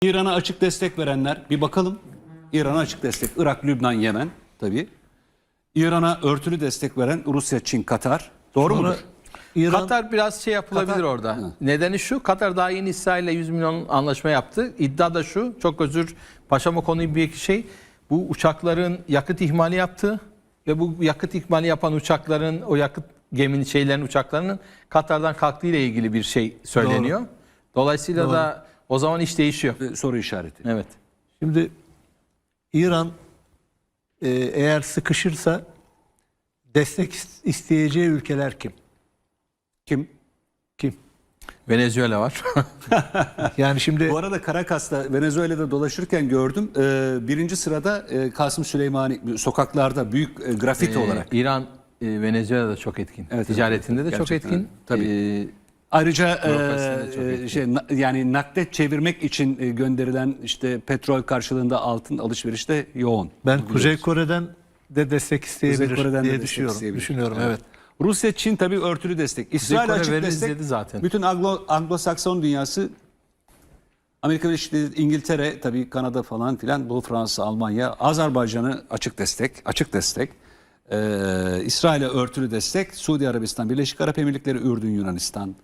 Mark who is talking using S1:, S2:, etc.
S1: İran'a açık destek verenler bir bakalım. İran'a açık destek. Irak, Lübnan, Yemen tabii. İran'a örtülü destek veren Rusya, Çin, Katar. Doğru
S2: Sonra
S1: mudur?
S2: İran
S3: Katar biraz şey yapılabilir
S1: Katar-
S3: orada.
S1: Hı.
S3: Nedeni şu, Katar daha yeni İsrail'le 100 milyon anlaşma yaptı. İddia da şu, çok özür paşama konuyu bir şey. Bu uçakların yakıt ihmali yaptı ve bu yakıt ihmali yapan uçakların, o yakıt geminin şeylerin uçaklarının Katar'dan kalktığı ile ilgili bir şey söyleniyor. Dolayısıyla da o zaman iş değişiyor.
S1: Soru işareti.
S3: Evet.
S2: Şimdi İran eğer sıkışırsa destek isteyeceği ülkeler kim?
S1: Kim?
S2: Kim?
S3: Venezuela var.
S2: Yani şimdi
S1: Bu arada Caracas'ta, Venezuela'da dolaşırken gördüm. Birinci sırada Kasım Süleymani sokaklarda büyük grafiti olarak.
S3: İran Venezuela'da çok etkin.
S1: Evet,
S3: Ticaretinde
S1: evet,
S3: de çok
S1: gerçekten
S3: etkin.
S1: tabii. Ayrıca
S3: Bürokrasisinde çok etkin.
S1: yani nakdet çevirmek için gönderilen işte petrol karşılığında altın alışverişte yoğun.
S2: ben
S1: Bunu
S2: Kuzey
S1: biliyoruz.
S2: Kore'den de destek isteyebilir
S1: Kuzey Kore'den de
S2: diye
S1: destek
S2: düşünüyorum.
S1: isteyebilir.
S2: Düşünüyorum evet.
S1: Rusya, Çin tabii örtülü destek. İsrail
S3: Kore
S1: açık
S3: veririz
S1: destek.
S3: dedi zaten.
S1: Bütün Anglo-Sakson dünyası, Amerika Birleşik Devletleri, İngiltere, tabii Kanada falan filan, Doğu Fransa, Almanya, Azerbaycan'ı açık destek, açık destek. İsrail'e örtülü destek, Suudi Arabistan, Birleşik Arap Emirlikleri, Ürdün, Yunanistan,